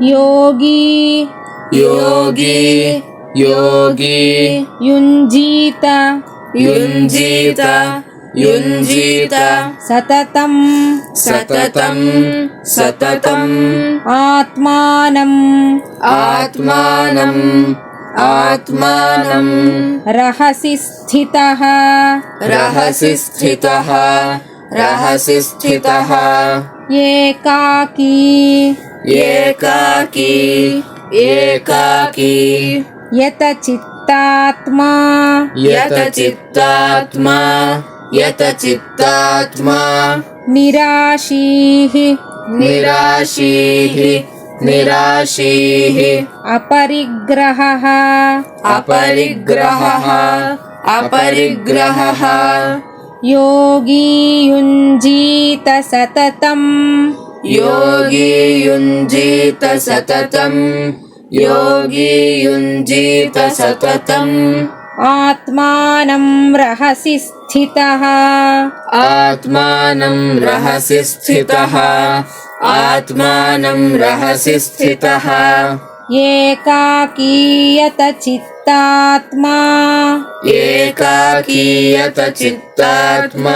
ಯೋಗಿ ಯೋಗಿ ಯೋಗಿ ಯುಂಜೀತ ಯುಂಜೀತ ಯುಂಜೀತ ಸತತಂ ಸತತಂ ಸತತಂ ಆತ್ಮಾನಂ ಆತ್ಮಾನಂ ಆತ್ಮಾನಂ ರಹಸಿ ಸ್ಥಿತಃ ರಹಸಿ ಸ್ಥಿತಃ ರಹಸಿ ಸ್ಥಿತಃ ಏಕಾಕೀ ಏಕಾಕಿ ಏಕಾಕಿ ಯತ ಚಿತ್ತಾತ್ಮಾ ಯತ ಚಿತ್ತಾತ್ಮಾ ಯತ ಚಿತ್ತಾತ್ಮಾ ನಿರಾಶೀಃ ನಿರಾಶೀಃ ನಿರಾಶೀಃ ಅಪರಿಗ್ರಹಃ ಅಪರಿಗ್ರಹಃ ಅಪರಿಗ್ರಹಃ ಯೋಗಿ ಯುಂಜೀತ ಸತತಂ ಯೋಗಿ ಯುಂಜೀತ ಸತತಂ ಯೋಗಿ ಯುಂಜೀತ ಸತತಂ ಆತ್ಮಾನಂ ರಹಸಿ ಸ್ಥಿತಃ ಆತ್ಮಾನಂ ರಹಸಿ ಸ್ಥಿತಃ ಆತ್ಮಾನಂ ರಹಸಿ ಸ್ಥಿತಃ ಏಕಾಕೀಯತ ಚಿತ್ತಾತ್ಮಾ ಏಕಾಕೀಯತ ಚಿತ್ತಾತ್ಮಾ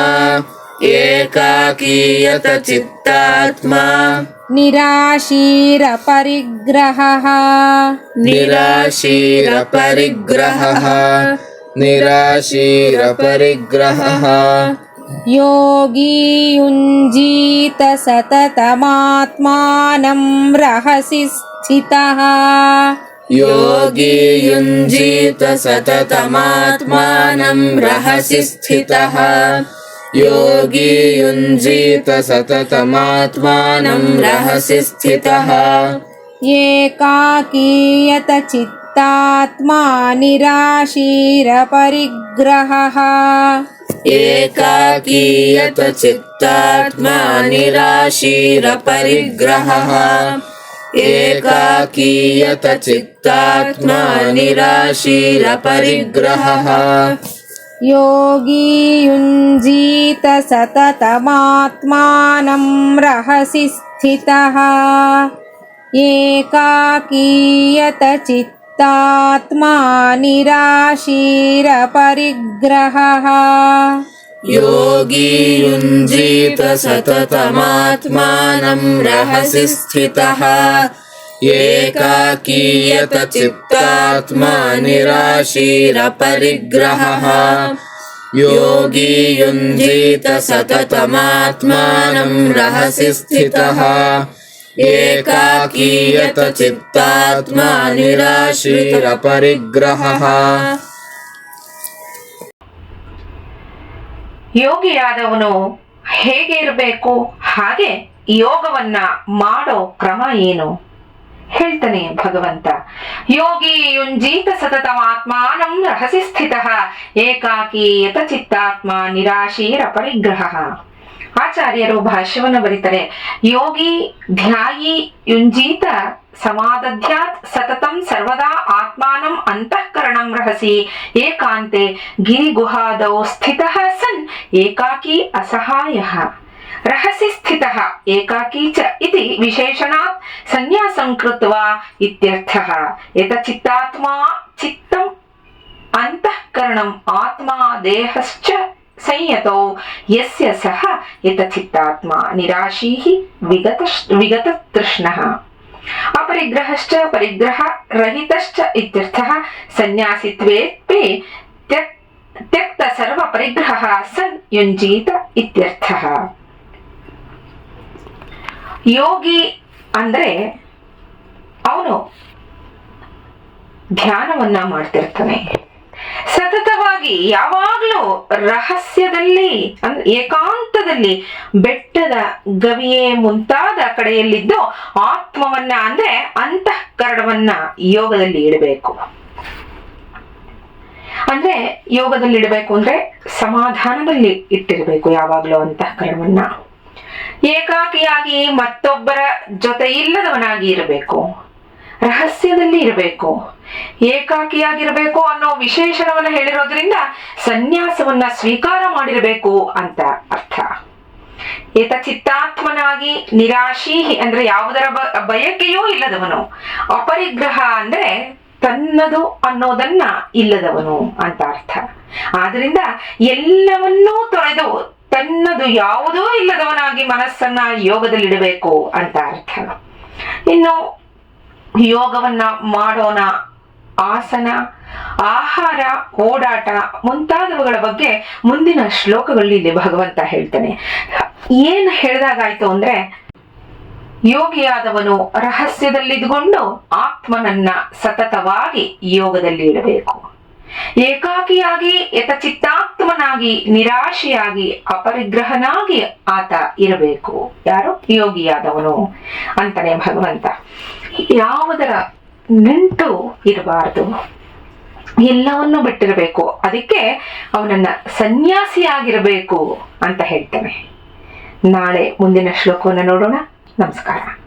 ಏಕಾಕೀಯತ ಚಿತ್ತಾತ್ಮಾ ನಿರಾಶೀರಪರಿಗ್ರಹಃ ನಿರಾಶೀರಪರಿಗ್ರಹಃ ನಿರಾಶೀರಪರಿಗ್ರಹಃ ಯೋಗಿ ಯುಂಜೀತ ಸತತಮಾತ್ಮಾನಂ ರಹಸಿ ಸ್ಥಿತಃ ಯೋಗಿ ಯುಂಜೀತ ಸತತಮಾತ್ಮಾನಂ ರಹಸಿ ಸ್ಥಿತಃ ಯೋಗಿ ಯುಂಜೀತ ಸತತಮಾತ್ಮಾನಂ ರಹಸಿ ಸ್ಥಿತಃ ಏಕಾಕೀಯತ ಚಿತ್ತಾತ್ಮಾ ನಿರಾಶೀರಪರಿಗ್ರಹಃ ಏಕಾಕೀಯತ ಚಿತ್ತಾತ್ಮಾ ನಿರಾಶೀರಪರಿಗ್ರಹಃ ಏಕಾಕೀಯತ ಚಿತ್ತಾತ್ಮಾ ನಿರಾಶೀರಪರಿಗ್ರಹಃ ಯೋಗಿ ಯುಂಜೀತ ಸತತಮಾತ್ಮಾನಂ ರಹಸಿ ಸ್ಥಿತಃ ಏಕಾಕೀಯತ ಚಿತ್ತಾತ್ಮಾ ನಿರಾಶೀರಪರಿಗ್ರಹಃ ಯೋಗಿ ಯುಂಜೀತ ಸತತಮಾತ್ಮಾನಂ ರಹಸಿ ಸ್ಥಿತಃ ಏಕಾಕೀಯತ ಚಿತ್ತಾತ್ಮಾ ನಿರಾಶೀರಪರಿಗ್ರಹಃ ಯೋಗಿ ಯುಂಜೀತ ಸತತಮಾತ್ಮಾನಂ ರಹಸಿ ಸ್ಥಿತಃ ಏಕಾಕೀಯತ ಚಿತ್ತಾತ್ಮಾ ನಿರಾಶೀರಪರಿಗ್ರಹಃ. ಯೋಗಿಯಾದವನು ಹೇಗೆ ಇರಬೇಕು, ಹಾಗೆ ಯೋಗವನ್ನ ಮಾಡೋ ಕ್ರಮ ಏನು ಹೇಳ್ತಾನೆ ಭಗವಂತ. ಯೋಗಿ ಯುಂಜೀತ ಸತತಮಾತ್ಮಾನಂ ರಹಸಿ ಸ್ಥಿತಃ ಏಕಾಕಿ ಯತ ಚಿತ್ತಾತ್ಮ ನಿರಾಶೀರಪರಿಗ್ರಹಃ. ಆಚಾರ್ಯರು ಭಾಷ್ಯವನ್ನು ಬರೀತಾರೆ. ಯೋಗಿ ಧ್ಯಾಯಿ ಯುಂಜೀತ ಸಮಾದಧ್ಯಾತ್ ಸತತಂ ಸರ್ವದಾ ಆತ್ಮಾನಂ ಅಂತಃಕರಣಂ ರಹಸಿ ಏಕಾಂತೆ ಗಿರಿಗುಹಾದೌ ಸ್ಥಿತಃ ಸನ್ ಏಕಾಕಿ ಅಸಹಾಯಃ. ರಹಸಿ ಸ್ಥಿತಃ ಏಕಾಕಿ ಚ ಇತಿ ವಿಶೇಷಣಾತ್ ಸನ್ಯಾಸಂ ಕೃತ್ವಾ ಇತ್ಯರ್ಥಃ. ಯತಚಿತ್ತಾತ್ಮಾ ಚಿತ್ತಂ ಅಂತಃಕರಣಂ ಆತ್ಮಾ ದೇಹಶ್ಚ ಸಂಯತೌ ಯಸ್ಯ ಸಹ ಯತಚಿತ್ತಾತ್ಮ ನಿರಾಶೀಃ ವಿಗತ ತೃಷ್ಣಃ ಅಪರಿಗ್ರಹಶ್ಚ ಪರಿಗ್ರಹ ರಹಿತಶ್ಚ ಇತ್ಯರ್ಥಃ. ಸನ್ಯಾಸಿತ್ವೇಪಿ ತ್ಯಕ್ತ ಸರ್ವ ಪರಿಗ್ರಹಃ ಸನ್ ಯುಂಜೀತ ಇತ್ಯರ್ಥಃ. ಯೋಗಿ ಅಂದ್ರೆ ಅವನು ಧ್ಯಾನವನ್ನ ಮಾಡ್ತಿರ್ತಾನೆ, ಸತತವಾಗಿ ಯಾವಾಗ್ಲೂ ರಹಸ್ಯದಲ್ಲಿ ಏಕಾಂತದಲ್ಲಿ ಬೆಟ್ಟದ ಗವಿಯೇ ಮುಂತಾದ ಕಡೆಯಲ್ಲಿದ್ದು ಆತ್ಮವನ್ನ ಅಂದ್ರೆ ಅಂತಃಕರಣವನ್ನ ಯೋಗದಲ್ಲಿ ಇಡಬೇಕು. ಅಂದ್ರೆ ಯೋಗದಲ್ಲಿ ಇಡಬೇಕು ಅಂದ್ರೆ ಸಮಾಧಾನದಲ್ಲಿ ಇಟ್ಟಿರ್ಬೇಕು ಯಾವಾಗ್ಲೂ ಅಂತಃಕರಣವನ್ನ. ಏಕಾಕಿಯಾಗಿ ಮತ್ತೊಬ್ಬರ ಜೊತೆ ಇಲ್ಲದವನಾಗಿ ಇರಬೇಕು, ರಹಸ್ಯದಲ್ಲಿ ಇರಬೇಕು, ಏಕಾಕಿಯಾಗಿರಬೇಕು ಅನ್ನೋ ವಿಶೇಷಣವನ್ನ ಹೇಳಿರೋದ್ರಿಂದ ಸನ್ಯಾಸವನ್ನ ಸ್ವೀಕಾರ ಮಾಡಿರಬೇಕು ಅಂತ ಅರ್ಥ. ಏತಚಿತ್ತಾತ್ಮನಾಗಿ ನಿರಾಶಿ ಅಂದ್ರೆ ಯಾವುದರ ಬಯಕೆಯೂ ಇಲ್ಲದವನು. ಅಪರಿಗ್ರಹ ಅಂದ್ರೆ ತನ್ನದು ಅನ್ನೋದನ್ನ ಇಲ್ಲದವನು ಅಂತ ಅರ್ಥ. ಆದ್ರಿಂದ ಎಲ್ಲವನ್ನೂ ತೊರೆದು ತನ್ನದು ಯಾವುದೂ ಇಲ್ಲದವನಾಗಿ ಮನಸ್ಸನ್ನ ಯೋಗದಲ್ಲಿಡಬೇಕು ಅಂತ ಅರ್ಥ. ಇನ್ನು ಯೋಗವನ್ನ ಮಾಡೋಣ, ಆಸನ, ಆಹಾರ, ಓಡಾಟ ಮುಂತಾದವುಗಳ ಬಗ್ಗೆ ಮುಂದಿನ ಶ್ಲೋಕಗಳಲ್ಲಿ ಭಗವಂತ ಹೇಳ್ತಾನೆ. ಏನ್ ಹೇಳಿದಾಗಾಯ್ತು ಅಂದ್ರೆ, ಯೋಗಿಯಾದವನು ರಹಸ್ಯದಲ್ಲಿದ್ದುಕೊಂಡು ಆತ್ಮನನ್ನ ಸತತವಾಗಿ ಯೋಗದಲ್ಲಿ ಇಡಬೇಕು. ಏಕಾಕಿಯಾಗಿ ಯತಚಿತ್ತಾತ್ಮನಾಗಿ ನಿರಾಶೆಯಾಗಿ ಅಪರಿಗ್ರಹನಾಗಿ ಆತ ಇರಬೇಕು. ಯಾರು? ಯೋಗಿಯಾದವನು ಅಂತಾನೆ ಭಗವಂತ. ಯಾವುದರ ನಂಟು ಇರಬಾರದು, ಎಲ್ಲವನ್ನೂ ಬಿಟ್ಟಿರಬೇಕು. ಅದಕ್ಕೆ ಅವನನ್ನ ಸನ್ಯಾಸಿಯಾಗಿರಬೇಕು ಅಂತ ಹೇಳ್ತಾನೆ. ನಾಳೆ ಮುಂದಿನ ಶ್ಲೋಕವನ್ನು ನೋಡೋಣ. ನಮಸ್ಕಾರ.